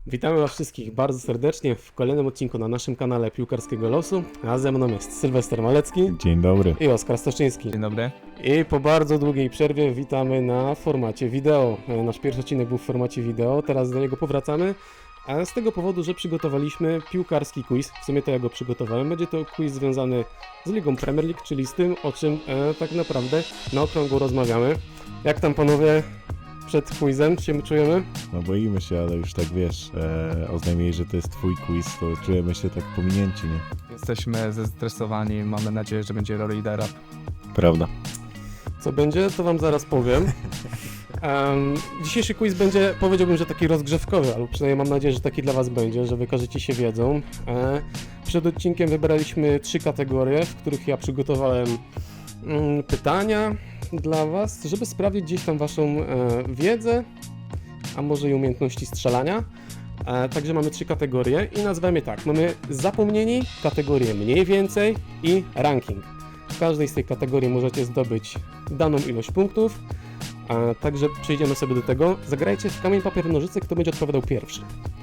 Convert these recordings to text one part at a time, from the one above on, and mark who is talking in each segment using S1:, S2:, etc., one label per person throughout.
S1: Witamy Was wszystkich bardzo serdecznie w kolejnym odcinku na naszym kanale Piłkarskiego Losu, a ze mną jest Sylwester Malecki
S2: Dzień dobry.
S1: i Oskar Stoczyński.
S3: Dzień dobry.
S1: I po bardzo długiej przerwie witamy na formacie wideo. Nasz pierwszy odcinek był w formacie wideo, teraz do niego powracamy, a z tego powodu, że przygotowaliśmy piłkarski quiz, w sumie to ja go przygotowałem. Będzie to quiz związany z Ligą Premier League, czyli z tym, o czym tak naprawdę na okrągło rozmawiamy. Jak tam panowie przed quizem się czujemy?
S2: No boimy się, ale już tak wiesz, oznajmili, że to jest twój quiz, to czujemy się tak pominięci, nie?
S3: Jesteśmy zestresowani, mamy nadzieję, że będzie roll lidera.
S2: Prawda.
S1: Co będzie, to wam zaraz powiem. Dzisiejszy quiz będzie, powiedziałbym, że taki rozgrzewkowy, albo przynajmniej mam nadzieję, że taki dla was będzie, że wykażecie się wiedzą. Przed odcinkiem wybraliśmy 3 kategorie, w których ja przygotowałem pytania dla was, żeby sprawdzić gdzieś tam waszą wiedzę, a może i umiejętności strzelania. Także mamy 3 kategorie i nazywamy je tak. Mamy zapomnieni, kategorię mniej więcej i ranking. W każdej z tych kategorii możecie zdobyć daną ilość punktów, także przejdziemy sobie do tego. Zagrajcie w kamień, papier, nożyce, kto będzie odpowiadał pierwszy.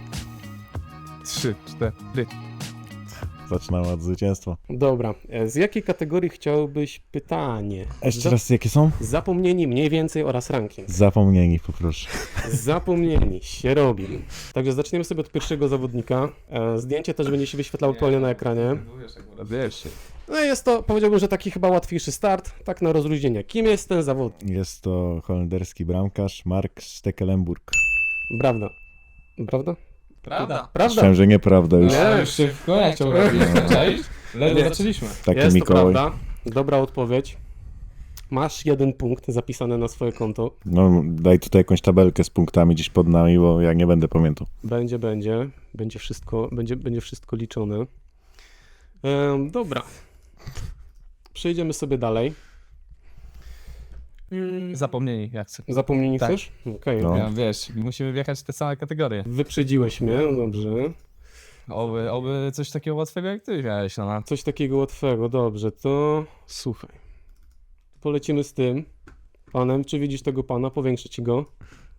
S3: 3, 4.
S2: Zaczynamy od zwycięstwa.
S1: Dobra, z jakiej kategorii chciałbyś pytanie?
S2: Jeszcze raz, jakie są?
S1: Zapomnieni, mniej więcej oraz ranking.
S2: Zapomnieni, poproszę.
S1: Zapomnieni, się robi. Także zaczniemy sobie od pierwszego zawodnika. Zdjęcie też będzie się wyświetlało aktualnie na ekranie.
S3: Wiesz.
S1: No i jest to, powiedziałbym, że taki chyba łatwiejszy start, tak na rozluźnienie. Kim jest ten zawodnik?
S2: Jest to holenderski bramkarz Mark Stekelenburg.
S1: Prawda. Prawda?
S3: Prawda.
S1: Prawda.
S2: Myślałem, że nieprawda już.
S1: Nie.
S3: Już szybko, jak chciał robić. Ledwo zaczęliśmy.
S2: Taki
S1: Jest to
S2: Mikołaj.
S1: prawda. Dobra odpowiedź. Masz 1 punkt zapisany na swoje konto.
S2: No daj tutaj jakąś tabelkę z punktami gdzieś pod nami, bo ja nie będę pamiętał.
S1: Będzie. Będzie wszystko liczone. Dobra. Przejdziemy sobie dalej.
S3: Zapomnieni, jak chcę.
S1: Zapomnieni
S3: Tak.
S1: chcesz? Okej.
S2: No.
S3: Ja, wiesz, musimy wjechać w te same kategorie.
S1: Wyprzedziłeś mnie, dobrze.
S3: Oby coś takiego łatwego jak ty miałeś, no.
S1: Coś takiego łatwego, dobrze, to słuchaj. Polecimy z tym panem. Czy widzisz tego pana? Powiększę ci go.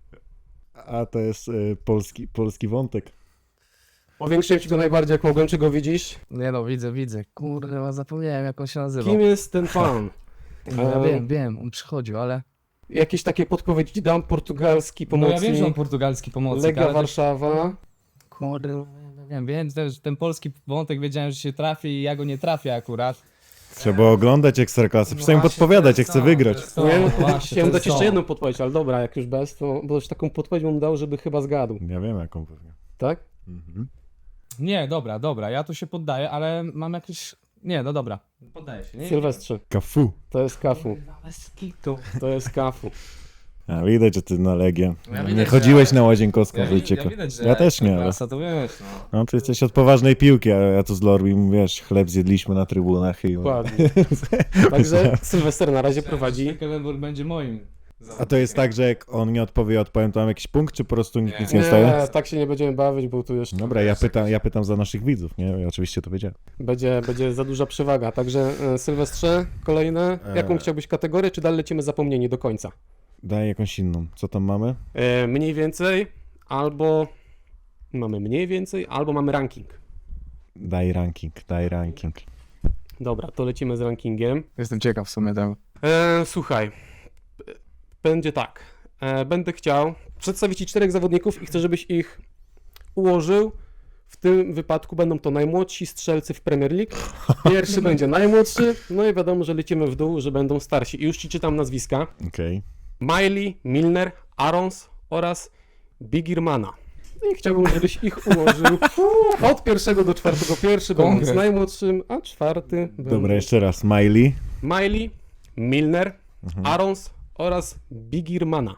S2: A to jest polski wątek.
S1: Powiększyłem ci go najbardziej jak mogłem. Czy go widzisz?
S3: Nie no, widzę. Kurde, zapomniałem jak on się nazywał.
S1: Kim jest ten pan?
S3: Ja wiem, on przychodził, ale...
S1: Jakieś takie podpowiedzi ci dam. Portugalski
S3: No ja
S1: pomocnik.
S3: wiem, że on portugalski pomocnik,
S1: Legia
S3: ale...
S1: Warszawa.
S3: Kurde, wiem też, ten polski wątek wiedziałem, że się trafi i ja go nie trafię akurat.
S2: Trzeba oglądać Ekstraklasy, przynajmniej
S3: Właśnie,
S2: podpowiadać,
S3: to
S2: jak
S3: jest
S2: chcę
S3: to,
S2: wygrać.
S3: to jest to.
S1: Nie, no,
S3: Właśnie,
S1: chciałem
S3: to
S1: dać
S3: jest
S1: jeszcze
S3: to.
S1: jedną podpowiedź, ale dobra, jak już bez, to bo już taką podpowiedź bym dał, żeby chyba zgadł,
S2: Ja wiem, jaką pewnie.
S1: tak?
S2: Mhm.
S3: Nie, dobra, ja tu się poddaję, ale mam jakieś... Nie, no dobra. Poddaję się, nie?
S1: Sylwestrze,
S2: Kafu.
S1: to jest Kafu,
S3: Bez kitu.
S1: to jest Kafu.
S2: A widać, że ty na Legię.
S3: Ja
S2: Nie
S3: widać,
S2: chodziłeś
S3: że-
S2: na Łazienkowską
S3: Ja,
S2: w
S3: ja
S2: Wilczyku.
S3: widać, że
S2: Ja też nie, ale...
S3: Klasa, to wiesz, no.
S2: No ty jesteś od poważnej piłki, a ja tu z Lorbim, wiesz, chleb zjedliśmy na trybunach i...
S1: Dokładnie. Także Sylwester na razie prowadzi.
S3: Stekelenburg będzie moim.
S2: A to jest tak, że jak on nie odpowie, ja odpowiem, to mam jakiś punkt, czy po prostu nic nie staje?
S1: Nie, tak się nie będziemy bawić, bo tu jeszcze
S2: Dobra, ja pytam za naszych widzów, nie? Ja oczywiście to wiedziałem.
S1: będzie za duża przewaga. Także Sylwestrze, kolejne. Jaką chciałbyś kategorię, czy dalej lecimy zapomnieni do końca?
S2: Daj jakąś inną. Co tam mamy?
S1: Mniej więcej, albo mamy mniej więcej, albo mamy ranking.
S2: Daj ranking.
S1: Dobra, to lecimy z rankingiem.
S3: Jestem ciekaw w sumie tego.
S1: Słuchaj, będzie tak. Będę chciał przedstawić Ci 4 zawodników i chcę, żebyś ich ułożył. W tym wypadku będą to najmłodsi strzelcy w Premier League. Pierwszy będzie najmłodszy, no i wiadomo, że lecimy w dół, że będą starsi. I już Ci czytam nazwiska.
S2: Okej.
S1: Miley, Milner, Arons oraz Bigirmana. No i chciałbym, żebyś ich ułożył od 1 do 4. Pierwszy będąc
S3: Konkret.
S1: najmłodszym, a 4.
S2: Dobra, jeszcze raz. Miley.
S1: Miley, Milner, Arons oraz Bigirmana.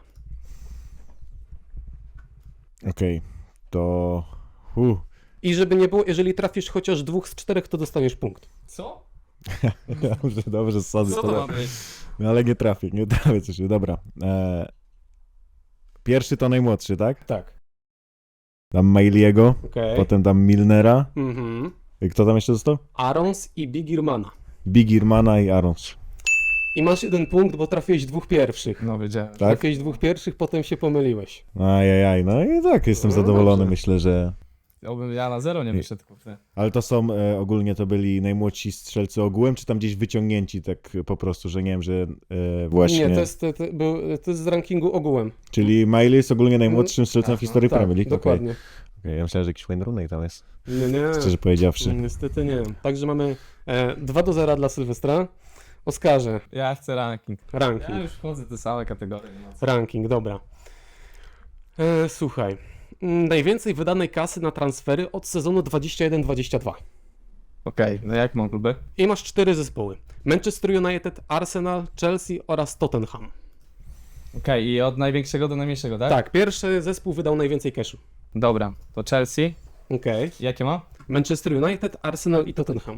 S2: Okej. To...
S1: I żeby nie było, jeżeli trafisz chociaż 2 z 4, to dostaniesz punkt.
S3: Co?
S2: Dobrze, sadzę
S3: Co to ma być?
S2: No ale nie trafię coś. Dobra. Pierwszy to najmłodszy, tak?
S1: Tak.
S2: Dam Miley'ego,
S1: Okej.
S2: potem dam Milnera.
S1: Mhm.
S2: I kto tam jeszcze został?
S1: Arons i Bigirmana.
S2: Bigirmana i Arons.
S1: I masz 1 punkt, bo trafiłeś 2 pierwszych.
S3: No wiedziałem.
S2: Tak?
S1: Trafiłeś 2 pierwszych, potem się pomyliłeś.
S2: Ajajaj, no i tak, jestem
S1: No
S2: zadowolony,
S1: dobrze.
S2: myślę, że...
S3: Ja na 0 nie wyszedł, kurde.
S2: Ale to są, ogólnie to byli najmłodsi strzelcy ogółem, czy tam gdzieś wyciągnięci tak po prostu, że nie wiem, że właśnie...
S1: Nie, to jest z rankingu ogółem.
S2: Czyli Miley jest ogólnie najmłodszym strzelcem w historii
S1: Tak,
S2: Premier League. Okej.
S1: dokładnie.
S2: Okej, ja myślałem, że jakiś Wayne Rooney tam jest,
S1: Nie, nie.
S2: szczerze powiedziawszy.
S1: Niestety nie. Także mamy 2-0 dla Sylwestra. Oskarze,
S3: Ja chcę ranking.
S1: ranking.
S3: Ja już wchodzę w te same kategorie. No co.
S1: Ranking, dobra. Słuchaj. Najwięcej wydanej kasy na transfery od sezonu 21-22.
S3: Okej, no jak mam kluby?
S1: I masz 4 zespoły. Manchester United, Arsenal, Chelsea oraz Tottenham.
S3: Okej, i od największego do najmniejszego, tak?
S1: Tak, pierwszy zespół wydał najwięcej cashu.
S3: Dobra, to Chelsea.
S1: Okej.
S3: Jakie ma?
S1: Manchester United, Arsenal i Tottenham.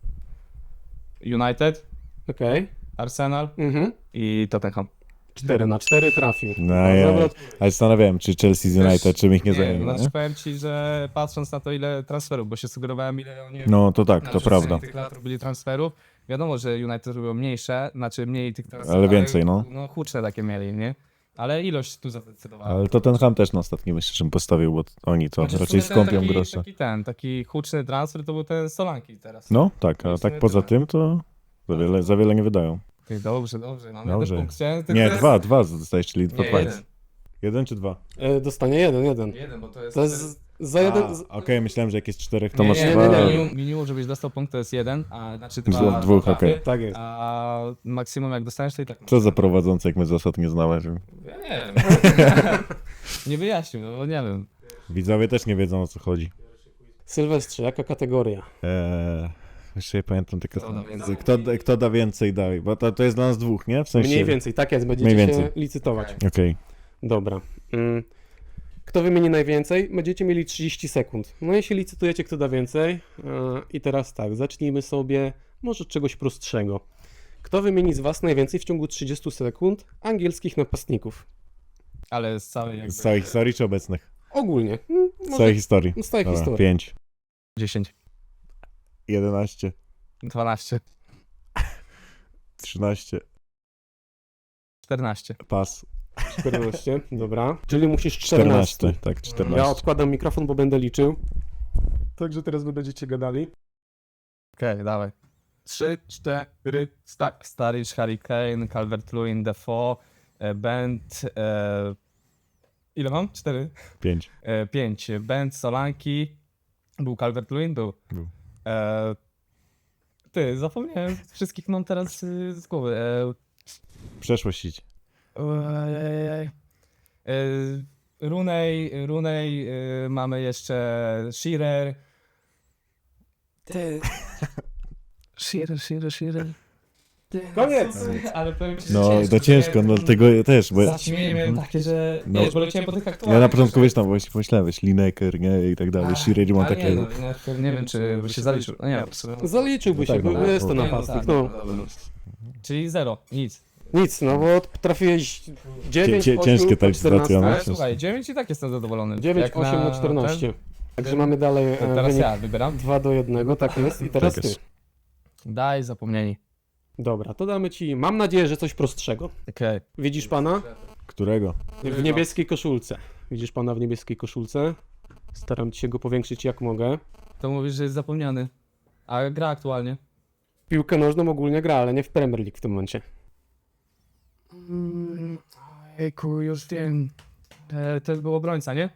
S3: United,
S1: Okej.
S3: Arsenal i Tottenham.
S1: 4/4 trafił.
S2: No ja,
S1: Zawrot-
S2: ale zastanawiałem, czy Chelsea z United, czym ich nie zajmie.
S3: Znaczy powiem ci, że patrząc na to, ile transferów, bo się sugerowałem, ile oni
S2: No to tak,
S3: na
S2: to
S3: przestrzeni
S2: prawda.
S3: tych lat robili transferów. Wiadomo, że United robiło mniejsze, znaczy mniej tych transferów.
S2: Ale więcej, no.
S3: No huczne takie mieli, nie? Ale ilość tu zadecydowała.
S2: Ale Tottenham też na ostatni myślę, żebym postawił, bo oni to
S3: Znaczy, w
S2: raczej
S3: sumie ten
S2: skąpią
S3: taki,
S2: grosze.
S3: Taki huczny transfer to był ten Solanki teraz.
S2: No tak, a
S3: Myślę,
S2: tak
S3: że
S2: poza
S3: tyle.
S2: tym to za wiele nie wydają.
S3: Ty, dobrze, mamy
S2: Dobrze.
S3: jeden punkt. Chciałem tylko
S2: Nie,
S3: teraz-
S2: dwa dostajesz, czyli 2
S3: Nie,
S2: points.
S3: jeden.
S2: 1 czy 2?
S1: Dostanie 1.
S3: Jeden, bo to jest...
S1: To jest za jeden.
S2: Okej, myślałem, że jak jest 4, to
S3: Nie,
S2: masz
S3: nie,
S2: 2.
S3: nie, minimum, żebyś dostał punkt, to jest 1, a znaczy dwa.
S2: Dwóch,
S3: dwa
S2: okej.
S3: trafy,
S1: Tak jest.
S3: A maksimum jak dostaniesz, to i tak.
S2: Co za prowadzący, jak my zasad nie znamy. Że...
S3: Ja nie wiem. Nie wyjaśnił, no bo nie wiem.
S2: Widzowie też nie wiedzą, o co chodzi.
S1: Sylwestrze, jaka kategoria?
S2: Jeszcze nie pamiętam tylko.
S3: Kto da więcej?
S2: Kto da więcej, daj. Bo to jest dla nas dwóch, nie? W sensie.
S1: Mniej więcej, tak jest, będziecie
S2: Mniej
S1: się
S2: więcej.
S1: licytować.
S2: Okej.
S1: Dobra. Kto wymieni najwięcej, będziecie mieli 30 sekund. No i się licytujecie, kto da więcej. I teraz tak, zacznijmy sobie może od czegoś prostszego. Kto wymieni z Was najwięcej w ciągu 30 sekund angielskich napastników?
S3: Ale z całej jakby...
S2: Z całej historii czy obecnych?
S1: Ogólnie.
S2: Z całej historii.
S1: Z całej
S2: Dobra,
S1: historii.
S2: 5,
S3: 10,
S2: 11,
S3: 12,
S2: 13,
S3: 14.
S2: pas.
S1: 14, dobra. Czyli musisz 14.
S2: 14, tak, 14.
S1: Ja odkładam mikrofon, bo będę liczył. Także teraz wy będziecie gadali.
S3: Okej, dawaj. 3, 4, tak. Sturridge, Harry Kane, Calvert-Lewin, Defoe, Bent, ile mam? 4?
S2: 5.
S3: 5. Bent, Solanki. Był Calvert-Lewin? Był. Ty, zapomniałem. Wszystkich mam teraz z głowy.
S2: Przeszłość idź.
S3: Rooney, mamy jeszcze Shearer. Ty. Shearer. Ty,
S1: Koniec!
S3: Ale powiem ci, że
S2: No, to ciężko, no tego ja też, bo
S3: Zaćmienie miałem takie, że
S2: No.
S3: wiesz, bo leciałem po tych aktualnych.
S2: ja na początku wiesz tam właśnie pomyślałem, wiesz, Lineker, nie, i tak dalej, Shearer mam
S3: Ale
S2: takiego.
S3: nie wiem, czy by się zaliczył. No nie,
S1: Zaliczyłby
S2: No
S1: się,
S2: tak,
S1: bo
S2: no.
S1: jest to
S2: No,
S1: napastnik.
S3: tak,
S1: No.
S3: Czyli 0, nic.
S1: Nic, no bo trafiłeś 9,
S2: Ciężkie
S1: 8
S2: ta licytacja, no.
S3: Ale słuchaj, 9 i tak jestem zadowolony.
S1: 9,
S3: Jak
S1: 8 na 14. Także mamy dalej
S3: Teraz
S1: wynik
S3: ja wybieram.
S1: 2-1, tak jest. I teraz
S2: Tak
S1: ty.
S2: jest.
S3: Daj, zapomnieni.
S1: Dobra, to damy ci, mam nadzieję, że coś prostszego.
S3: Okej.
S1: Widzisz pana?
S2: Którego?
S1: W niebieskiej koszulce. Widzisz pana w niebieskiej koszulce? Staram się go powiększyć jak mogę.
S3: To mówisz, że jest zapomniany. A gra aktualnie.
S1: Piłkę nożną ogólnie gra, ale nie w Premier League w tym momencie.
S3: Ejku, już wiem. To był obrońca, nie?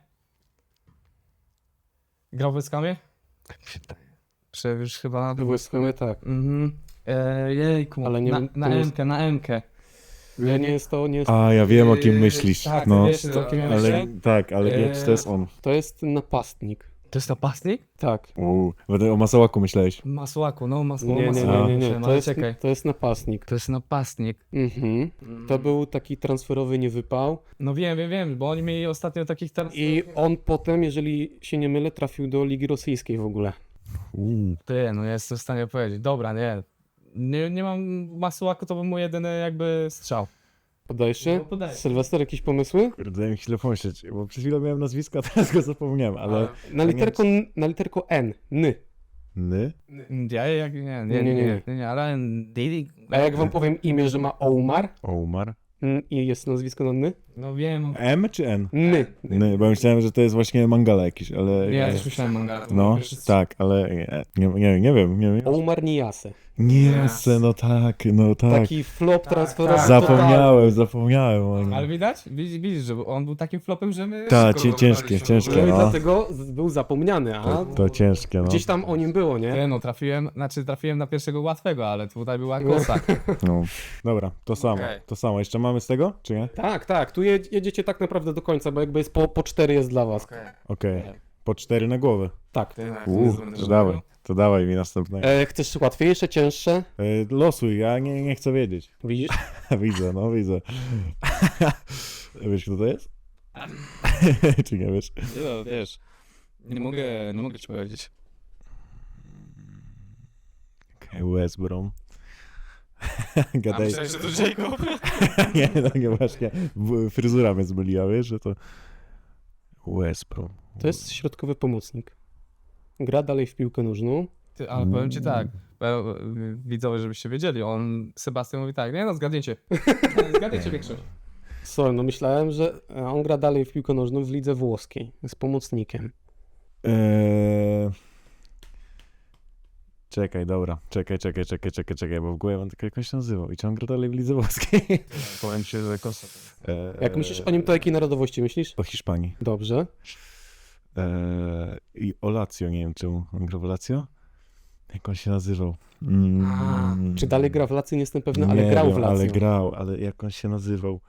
S3: Grał w Weskamie? Już chyba...
S1: Błyskamy tak.
S3: Mhm. Jejku,
S1: Ale nie wiem,
S3: na
S1: to jest-
S3: M-kę, na M-kę.
S1: Nie, nie jest to, nie jest.
S2: A, ja wiem o kim myślisz.
S3: Tak,
S2: No,
S3: wiesz, o kim ja
S2: ale
S3: myślę?
S2: tak, ale nie, czy to jest on.
S1: To jest napastnik.
S3: To jest napastnik?
S1: Tak.
S2: Będę o Masałaku myślałeś.
S3: Masłaku, no masło.
S1: Nie, nie, nie,
S3: masło.
S1: nie, nie.
S3: Ale
S1: To jest,
S3: czekaj.
S1: to jest napastnik.
S3: To jest napastnik.
S1: Mhm. To był taki transferowy niewypał.
S3: No wiem, bo oni mieli ostatnio takich teraz...
S1: I on potem, jeżeli się nie mylę, trafił do Ligi Rosyjskiej w ogóle.
S3: Ty, no ja jestem w stanie powiedzieć. Dobra, nie mam masłaku, to był mój jedyny jakby strzał.
S1: Podajesz się?
S3: No, podaję.
S1: Sylwester, jakieś pomysły?
S2: Kurde, daj mi chwilę pomyśleć, bo przed chwilą miałem nazwisko, a teraz go zapomniałem, ale...
S1: Na literko N. N.
S3: Nie, ale Didi...
S1: A jak wam powiem imię, że ma Omar
S2: Omar.
S1: i jest nazwisko na Ny?
S3: No wiem.
S2: M czy N?
S1: Ny.
S2: Bo myślałem, że to jest właśnie Mangala jakiś, ale...
S3: Nie, ja też myślałem manga.
S2: No, tak, ale nie wiem.
S1: Omar Niase.
S2: Niese, no tak.
S1: Taki flop transferowy.
S3: tak.
S2: Zapomniałem o nim.
S3: Ale widzisz, że on był takim flopem, że my...
S2: Tak,
S3: szybko
S2: ciężkie,
S3: wybraliśmy.
S1: No i
S2: no.
S1: dlatego był zapomniany, a
S2: To ciężkie, no.
S1: gdzieś tam o nim było, nie?
S3: Nie, no trafiłem na pierwszego łatwego, ale tutaj była kosa.
S2: No. Dobra, to samo.
S3: Okej.
S2: To samo. Jeszcze mamy z tego, czy nie?
S1: Tak, tu jedziecie tak naprawdę do końca, bo jakby jest po 4 jest dla was.
S2: Okej. Po 4 na głowę.
S1: Tak.
S2: To dawaj mi następnego.
S1: Chcesz łatwiejsze, cięższe?
S2: Losuj, ja nie chcę wiedzieć.
S1: Widzisz?
S2: Widzę. Wiesz, kto to jest? Czy nie wiesz?
S3: No, wiesz, nie mogę ci powiedzieć.
S2: West Brom. Gadaj.
S3: Myślałem, że to Jacob.
S2: nie, właśnie. Fryzura mnie zmyliła, wiesz, że to... West Brom.
S1: To jest środkowy pomocnik. Gra dalej w piłkę nożną.
S3: Ale powiem ci tak, widzowie, żebyście wiedzieli, Sebastian mówi tak, nie no, zgadniecie większość.
S1: Sorry, no myślałem, że on gra dalej w piłkę nożną w lidze włoskiej. Jest pomocnikiem.
S2: Czekaj, dobra. Czekaj, bo w głowie mam tylko jak on się nazywał. I czy on gra dalej w lidze włoskiej?
S3: Powiem ci, że kosa.
S1: Jak myślisz o nim, to jakiej narodowości myślisz?
S2: Po Hiszpanii.
S1: Dobrze.
S2: I o Lazio, nie wiem czemu. On gra w Lazio? Jak on się nazywał?
S1: Czy dalej gra w Lazio? Nie jestem pewny, ale
S2: Nie
S1: grał
S2: wiem,
S1: w Lazio.
S2: ale jak on się nazywał?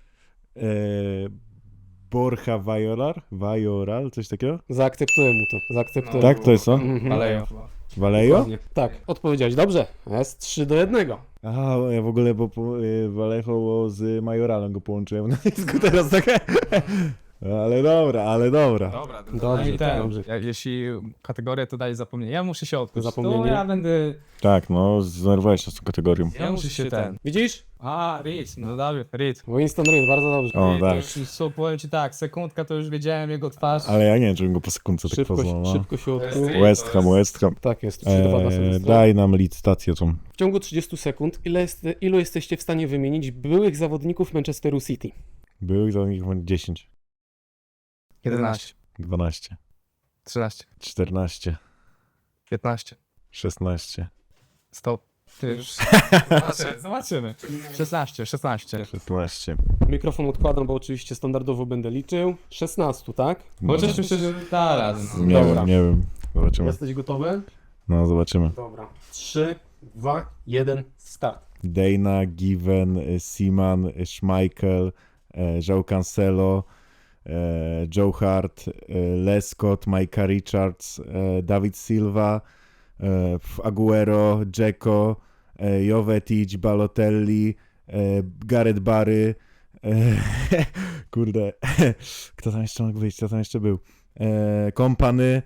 S2: Borja Vajoral, coś takiego?
S1: Zaakceptuję mu to. Zaakceptuję.
S2: Tak, to jest on?
S1: Mhm.
S3: Ale
S2: Vallejo?
S1: Dokładnie. Tak, odpowiedziałeś dobrze. Jest 3-1.
S2: Aha, ja w ogóle, bo Vallejo z Majoralem go połączyłem na dysku teraz, tak? Ale dobra.
S1: Dobrze, dobrze.
S3: Jeśli kategorię to daje zapomnienie, ja muszę się odkuć.
S1: Zapomnienie?
S3: To ja będę...
S2: Tak, no, zdenerwowałeś się z tą kategorią.
S3: Ja muszę się ten...
S1: Widzisz?
S3: Reed, no Dawid, Reed.
S1: Winston Reed, bardzo dobrze.
S2: O,
S3: To
S2: tak.
S3: już, powiem ci tak, sekundka to już wiedziałem jego twarz.
S2: Ale ja nie wiem, czy bym go po sekundce tak
S1: Szybko,
S2: poznał, no.
S1: szybko się odkrył.
S2: West Ham.
S1: Tak jest, 3-2 dla Sylwestra.
S2: Daj nam licytację tą.
S1: W ciągu 30 sekund ilu jesteście w stanie wymienić byłych zawodników Manchesteru City?
S2: Byłych za nich 10,
S3: 11,
S2: 12,
S3: 13,
S2: 14,
S3: 15,
S2: 16,
S3: stop. Ty już... Zobaczymy. 16.
S2: 16.
S1: Mikrofon odkładam, bo oczywiście standardowo będę liczył. 16, tak?
S3: Chociaż myślę, że teraz.
S2: Nie
S1: Dobra.
S2: wiem. Zobaczymy.
S1: Jesteś gotowy?
S2: No, zobaczymy.
S1: Dobra. 3, 2, 1, start.
S2: Dana, Given, Seaman, Schmeichel, João Cancelo, Joe Hart, Lescott, Micah Richards, David Silva, Aguero, Dzeko, Jovetic, Balotelli, Gareth Barry, kurde, kto tam jeszcze mógł być, kto tam jeszcze był, Kompany,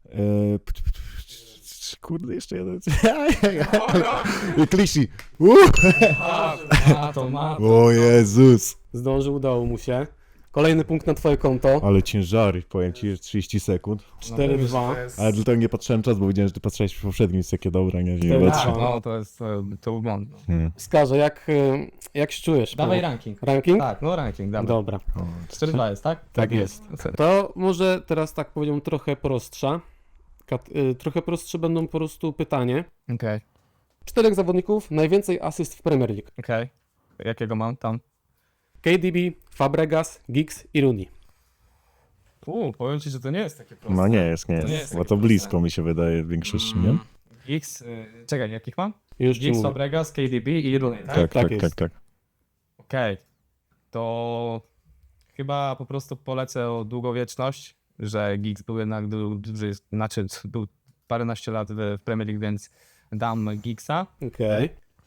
S2: kurde, jeszcze jeden, Klisi, o Jezus,
S1: Zdążył, udało mu się. Kolejny punkt na twoje konto.
S2: ale ciężary, powiem ci, jest 30 sekund,
S1: 4-2.
S2: ale dlatego nie patrzyłem czas, bo widziałem, że ty patrzyłeś w poprzednim, jest takie dobre, nie
S1: Cztery,
S2: patrzę.
S1: dwa.
S3: No, to był błąd.
S1: Wskażę, jak się czujesz?
S3: Dawaj
S1: po-
S3: ranking.
S1: Ranking?
S3: Tak, no ranking, dawaj.
S1: Dobra.
S3: 4-2 jest, tak?
S1: Tak jest. To może teraz tak powiedział trochę prostsza. Trochę prostsze będą po prostu pytanie.
S3: Okej.
S1: 4 zawodników, najwięcej asyst w Premier League.
S3: Okej. Jakiego mam tam?
S1: KDB, Fabregas, Giggs i Rooney.
S3: Powiem ci, że to nie jest takie proste.
S2: No nie jest,
S3: nie jest
S2: bo
S3: takie
S2: to blisko
S3: proste.
S2: mi się wydaje w większości, nie?
S3: Giggs, czekaj, jakich mam?
S1: Już ci
S3: Giggs,
S1: mówię.
S3: Fabregas, KDB i Rooney, tak?
S2: Tak,
S1: tak
S2: tak,
S1: jest.
S2: tak, tak.
S3: Okej. To chyba po prostu polecę o długowieczność, że Giggs był jednak był paręnaście lat w Premier League, więc dam Giggsa.
S1: Okej.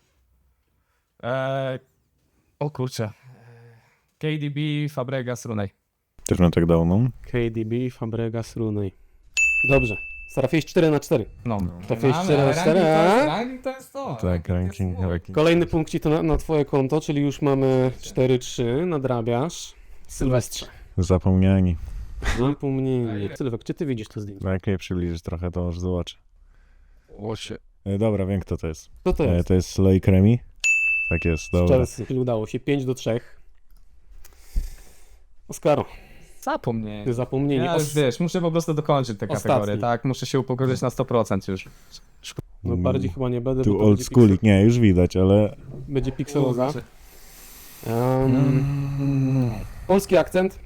S3: O kurczę. KDB, Fabregas, Rooney.
S2: Też bym tak dał, no.
S1: KDB, Fabregas, Rooney. Dobrze. Trafiłeś 4-4.
S3: No.
S1: Trafiłeś
S3: Ale
S1: 4-4, a?
S3: ranking to jest to.
S2: Tak, ranking.
S1: Kolejny punkcik to na twoje konto, czyli już mamy 4-3. Nadrabiasz. Sylwestrze.
S2: Zapomniani.
S1: Zapomnienie. Sylwek, czy ty widzisz to zdjęcie?
S2: No jak je przybliżysz trochę, to już zobaczę.
S3: Łosie.
S2: Dobra, wiem kto to jest.
S1: Co to jest?
S2: To jest Loic Remy? Tak jest, dobra.
S1: Chelsea. Czyli udało się 5-3. Oskaro,
S3: Zapomniałem.
S1: ty zapomnieli.
S3: Ja już wiesz, muszę po prostu dokończyć te
S1: Ostatni.
S3: kategorie, tak? Muszę się upokorzyć na 100% już.
S1: No bardziej chyba nie będę,
S2: Tu
S1: bo to
S2: old
S1: będzie,
S2: schoolik, nie, już widać, ale...
S1: będzie pikseloza. Polski akcent.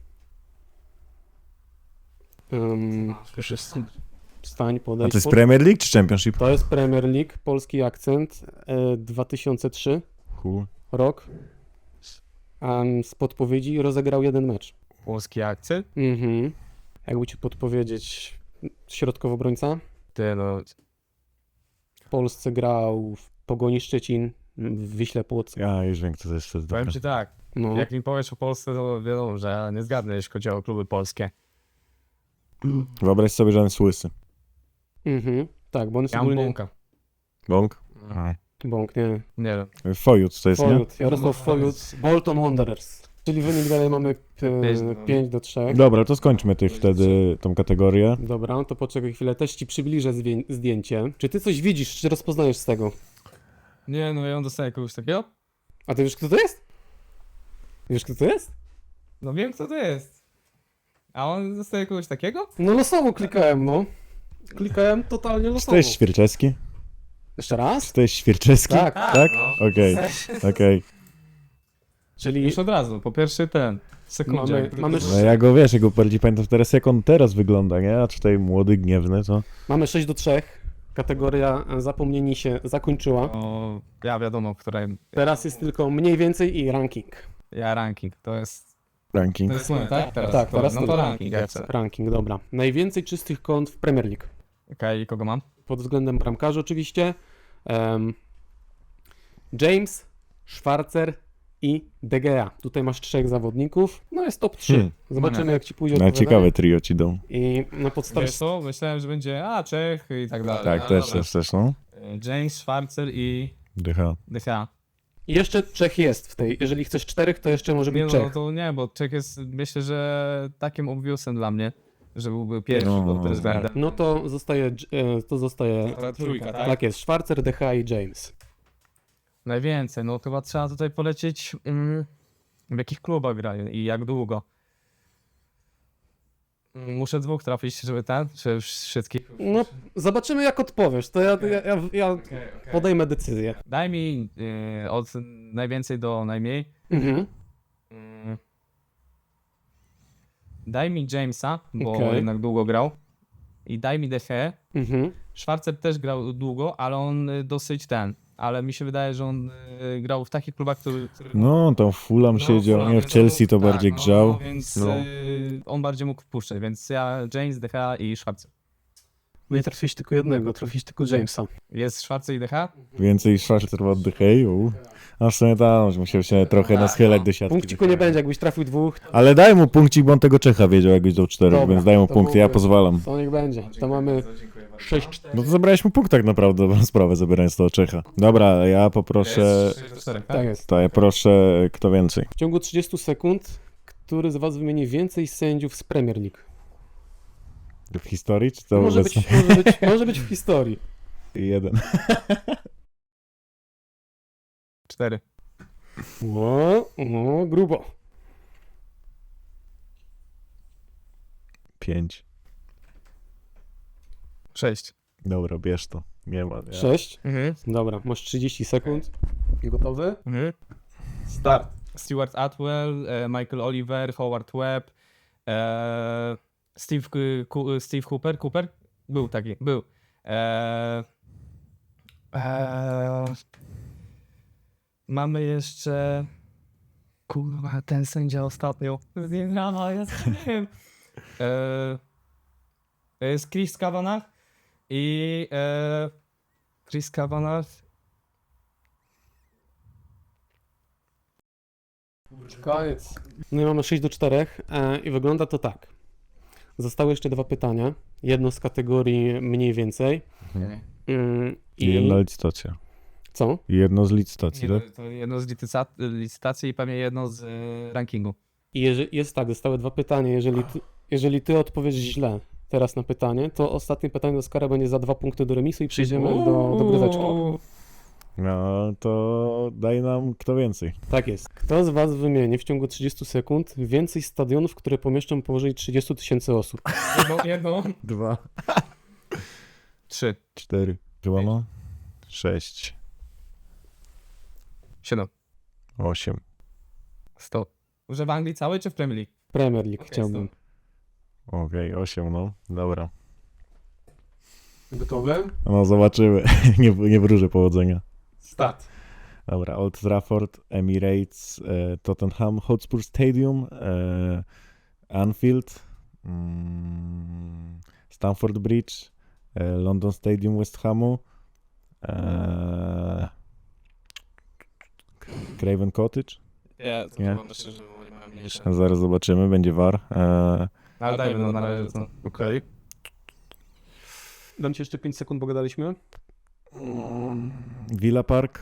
S1: Wstań,
S2: A
S1: podejdź.
S2: to jest Premier League czy Championship?
S1: To jest Premier League, polski akcent, 2003
S2: Hu.
S1: rok. Z podpowiedzi rozegrał jeden mecz.
S3: Polski akcent?
S1: Jakby ci podpowiedzieć, środkowy obrońca.
S3: Ty no,
S1: W Polsce grał w Pogoni Szczecin, w Wiśle Płock.
S2: Ja już wiem kto to jest.
S3: powiem ci tak,
S1: No.
S3: jak mi powiesz o Polsce, to wiadomo, że ja nie zgadnę, jeśli chodzi o kluby polskie.
S2: Wyobraź sobie, że on jest łysy.
S1: Tak, bo on jest
S3: Ja mam
S1: ogólnie...
S3: bąka.
S2: Bąk?
S1: Bąk, nie.
S3: Nie wiem.
S2: Fojut to jest, nie?
S1: Fojut, Jarosław Fojut, Bolton Wanderers. Czyli wynik dalej mamy 5-3.
S2: Dobra, to skończmy wtedy tą kategorię.
S1: Dobra, to poczekaj chwilę, też ci przybliżę zdjęcie. Czy ty coś widzisz, czy rozpoznajesz z tego?
S3: Nie, no ja on dostaje kogoś takiego?
S1: A ty wiesz, kto to jest? Wiesz, kto to jest?
S3: No wiem, kto to jest. A on dostaje kogoś takiego?
S1: No losowo klikałem, no. Klikałem totalnie
S2: Czy to
S1: losowo.
S2: jest Świerczewski?
S1: Jeszcze raz?
S2: Czy to jest Świerczewski?
S1: Tak.
S2: Tak? Okej, okej.
S1: Czyli
S3: Już od razu, po pierwszy ten. Sekundzie.
S1: Mamy-
S2: No ja go wiesz, ja go bardziej pamiętam teraz jak on teraz wygląda, nie? A tutaj młody, gniewny, to...
S1: mamy 6-3. Kategoria zapomnieni się zakończyła.
S3: O, ja wiadomo, której.
S1: Teraz jest tylko mniej więcej i ranking.
S3: Ja ranking, to jest.
S2: Ranking.
S3: To jest mój, tak? Teraz.
S1: Tak, teraz
S3: no
S1: ty.
S3: to ranking, ja chcę.
S1: Ranking, dobra. Najwięcej czystych kąt w Premier League.
S3: Okej, kogo mam?
S1: Pod względem bramkarzy oczywiście. James, Schwarzer i De Gea. Tutaj masz 3 zawodników. No jest top 3. Zobaczymy jak ci pójdzie
S2: No
S1: odpowiadanie.
S2: ciekawe trio ci dą.
S1: I na podstawie...
S3: Wiesz co? Myślałem, że będzie Czech i tak dalej.
S2: Tak,
S3: Ale
S2: też,
S3: dobra.
S2: też, no.
S3: James, Schwarzer i
S2: Dycha.
S3: Dycha.
S1: I jeszcze Czech jest w tej. Jeżeli chcesz 4, to jeszcze może
S3: Nie
S1: być
S3: no,
S1: Czech.
S3: to nie, bo Czech jest myślę, że takim obvious dla mnie, że byłby pierwszy
S2: No.
S3: pod tym względem.
S1: No to zostaje...
S3: Ta trójka, tak?
S1: Tak jest, Schwarzer, De Gea i James.
S3: Najwięcej, no chyba trzeba tutaj polecieć w jakich klubach grają i jak długo. Muszę 2 trafić, żeby czy już wszystkich?
S1: No, zobaczymy jak odpowiesz. To ja podejmę decyzję.
S3: Daj mi od najwięcej do najmniej.
S1: Mhm.
S3: Daj mi Jamesa, bo
S1: Okej.
S3: jednak długo grał. I daj mi Deche.
S1: Mhm.
S3: Schwarzer też grał długo, ale on dosyć ale mi się wydaje, że on grał w takich klubach, które...
S2: No, tam w Fulham siedział, nie, w Chelsea to bardziej grzał.
S3: No, więc
S2: No.
S3: on bardziej mógł wpuszczać, więc ja James, Decha i Schwarzer.
S1: Nie trafiłeś tylko jednego, trafiłeś tylko Jamesa.
S3: Jest Schwarzer i Decha?
S2: Więcej Schwarzer od Dychej. A w sumie tam musiał się trochę naschylać do siatki.
S1: Punkciku nie będzie, jakbyś trafił 2,
S2: Ale daj mu punkcik, bo on tego Czecha wiedział, jakbyś dał 4,
S1: Dobra,
S2: więc daj mu
S1: to
S2: punkt, ja
S1: byłby-
S2: pozwalam.
S1: to niech będzie. To mamy 6.
S2: No to zabrałeś mu punkt tak naprawdę, dobrą sprawę, zabierając to od Czecha. Dobra, ja poproszę...
S1: Tak jest.
S2: To ja proszę, kto więcej?
S1: W ciągu 30 sekund, który z was wymieni więcej sędziów z Premier League?
S2: W historii, czy to
S1: Może
S2: obecnie?
S1: może być w historii.
S2: Jeden.
S3: 4.
S1: No, grubo.
S2: 5.
S3: 6.
S2: Dobra, bierz to. Nie ma. Ja.
S1: 6. Dobra, masz 30 sekund. Gotowy?
S3: Start. Stuart Atwell, Michael Oliver, Howard Webb, Steve Cooper? Był taki, był. Mamy jeszcze... Kurwa, ten sędzia ostatnio. Ja nie wiem. Jest Chris Kavanagh i Chris Kavanagh.
S1: Koniec. No i mamy 6-4 i wygląda to tak. Zostały jeszcze 2 pytania. Jedno z kategorii mniej więcej.
S2: I jedna licytacja.
S1: Co?
S2: I jedno z licytacji, tak?
S3: To jedno z licytacji i pewnie jedno z rankingu.
S1: I jest tak, zostały 2 pytania. Jeżeli ty odpowiesz źle, teraz na pytanie, to ostatnie pytanie do Oskara będzie za 2 punkty do remisu i przejdziemy do dogryweczki.
S2: No to daj nam kto więcej.
S1: Tak jest. Kto z was wymieni w ciągu 30 sekund więcej stadionów, które pomieszczą powyżej 30 000 osób?
S3: Jedno.
S2: 2,
S3: 3,
S2: 4, chyba no? 6,
S3: 7,
S2: 8.
S3: 100. Że w Anglii całej czy w Premier League?
S1: Premier League
S3: Okej,
S1: chciałbym.
S2: Okej, 8, no. Dobra.
S1: Gotowe?
S2: No zobaczymy. nie wróżę powodzenia.
S1: Start.
S2: Dobra, Old Trafford, Emirates, Tottenham Hotspur Stadium, Anfield, Stamford Bridge, London Stadium West Hamu, Craven Cottage. Nie? Zaraz zobaczymy, będzie VAR.
S3: Ale dajmy no na razie to.
S2: Okej.
S1: Dam ci jeszcze 5 sekund, bo gadaliśmy.
S2: Villa Park.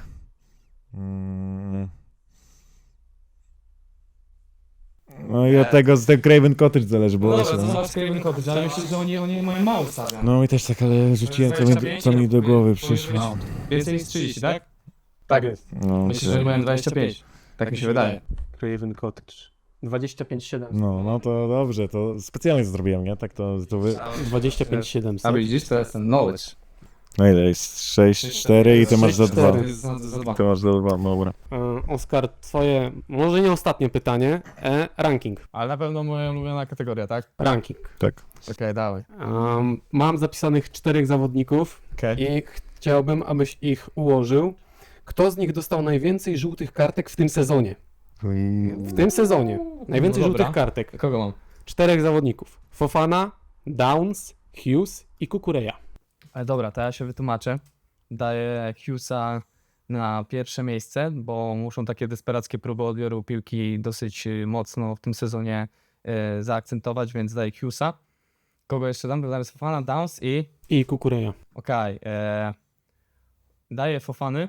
S2: No i od tego z tego Craven Cottage zależy, bo
S3: No
S2: właśnie,
S3: dobra, to
S2: no.
S3: zobacz Craven Cottage, ale myślę, że oni mają mało stadion.
S2: No i też tak, ale rzuciłem co mi do głowy przyszło.
S3: No, więcej niż 30, tak?
S1: Tak jest.
S2: No,
S3: Myślę, że mają 25. Tak mi się wydaje.
S1: Craven Cottage. 25,7.
S2: no to dobrze, to specjalnie to zrobiłem, nie? Tak to wy...
S1: 25,700.
S3: A widzisz, to jest ten knowledge.
S2: No ile jest? 6, 4 i ty masz za 2.
S1: 6-4.
S3: Za dwa.
S2: Ty masz za 2, dobra.
S1: Oskar, twoje, może nie ostatnie pytanie, ranking.
S3: Ale na pewno moja ulubiona kategoria, tak?
S1: Ranking.
S2: Tak.
S3: Okej, dawaj.
S1: Mam zapisanych 4 zawodników
S3: Okej.
S1: i chciałbym, abyś ich ułożył. Kto z nich dostał najwięcej żółtych kartek w tym sezonie? W tym sezonie. Najwięcej
S3: No dobra.
S1: żółtych kartek.
S3: Kogo mam?
S1: 4 zawodników. Fofana, Downs, Hughes i Kukureya.
S3: Ale dobra, to ja się wytłumaczę. Daję Hughesa na pierwsze miejsce, bo muszą takie desperackie próby odbioru piłki dosyć mocno w tym sezonie zaakcentować, więc daję Hughesa. Kogo jeszcze dam? Daję Fofana, Downs i...
S1: I Kukureya.
S3: Okej. Daję Fofany.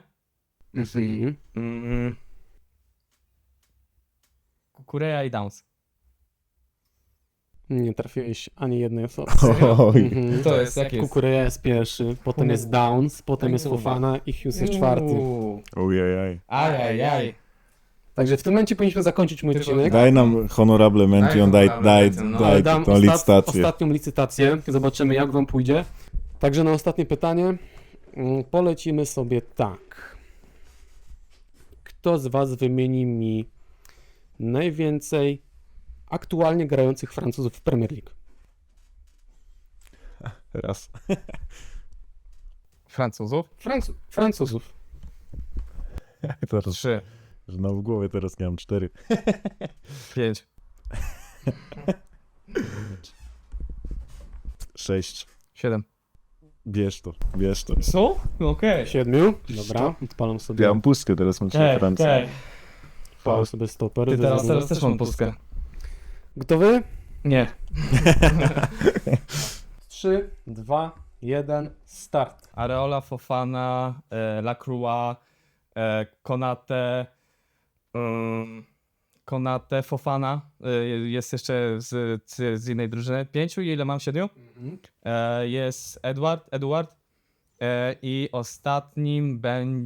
S3: Kukureya i Downs.
S1: Nie trafiłeś ani jednej osoby.
S2: Oj.
S1: Mhm.
S3: To jest, jak jest?
S1: Kukureya jest pierwszy, potem jest Downs, potem jest Fofana i Hughes jest czwarty.
S2: Ojej.
S3: Ajajaj.
S1: Także w tym momencie powinniśmy zakończyć mój odcinek.
S2: Daj nam honorable mention, daj
S1: Ale dam
S2: tą licytację.
S1: ostatnią licytację. Zobaczymy, jak wam pójdzie. Także na ostatnie pytanie polecimy sobie tak. Kto z was wymieni mi najwięcej aktualnie grających Francuzów w Premier League?
S2: Raz.
S3: Francuzów?
S1: Francuzów.
S2: Teraz,
S3: 3,
S2: że no w głowie teraz nie mam 4.
S3: 5,
S2: 6.
S3: 7.
S2: Bierz to.
S3: Co? Okej.
S1: 7. Dobra, odpalam sobie.
S2: Ja mam pustkę, teraz mam 3 Francję.
S1: Odpalam sobie stoper.
S3: Ty teraz też mam pustkę.
S1: Gotowy?
S3: Nie.
S1: 3, 2, 1, start.
S3: Areola, Fofana, Lacroix, Konate, Fofana. Jest jeszcze z innej drużyny. 5 i ile mam? 7? Jest Edward. I ostatnim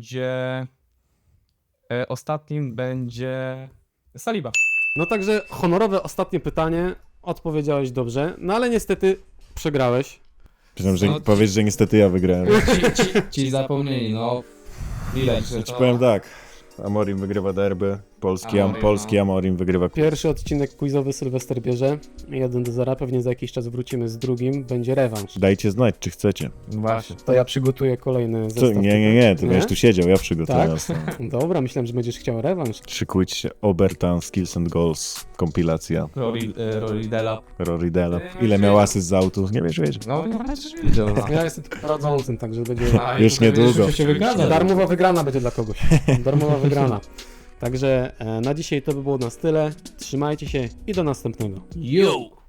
S3: będzie Saliba.
S1: No także honorowe ostatnie pytanie. Odpowiedziałeś dobrze, no ale niestety przegrałeś.
S2: Myślałem, że
S3: No,
S2: powiesz, że niestety ja wygrałem.
S3: Ci zapomnieli, no. Ile?
S2: Ci powiem tak. Amorim wygrywa derby, polski Amorim wygrywa.
S1: Pierwszy odcinek quizowy Sylwester bierze 1-0, pewnie za jakiś czas wrócimy z drugim, będzie rewanż.
S2: Dajcie znać, czy chcecie.
S3: Właśnie.
S1: To ja przygotuję kolejny
S2: Co?
S1: zestaw.
S2: Nie, ty będziesz tu siedział, ja przygotuję.
S1: Tak? Dobra, myślałem, że będziesz chciał rewanż.
S2: Szykujcie się, Obertan, Skills and Goals, kompilacja,
S3: Rory Dela.
S2: Rory Delap. Ile miał asyst z autu? Nie wiesz, wiesz.
S3: No, widział.
S1: Ja jestem tylko prowadzącym, także będzie
S2: Już niedługo.
S3: się wygada.
S1: darmowa wygrana będzie dla kogoś. Darmowa wygrana. Także na dzisiaj to by było na tyle. Trzymajcie się i do następnego.
S3: Yo!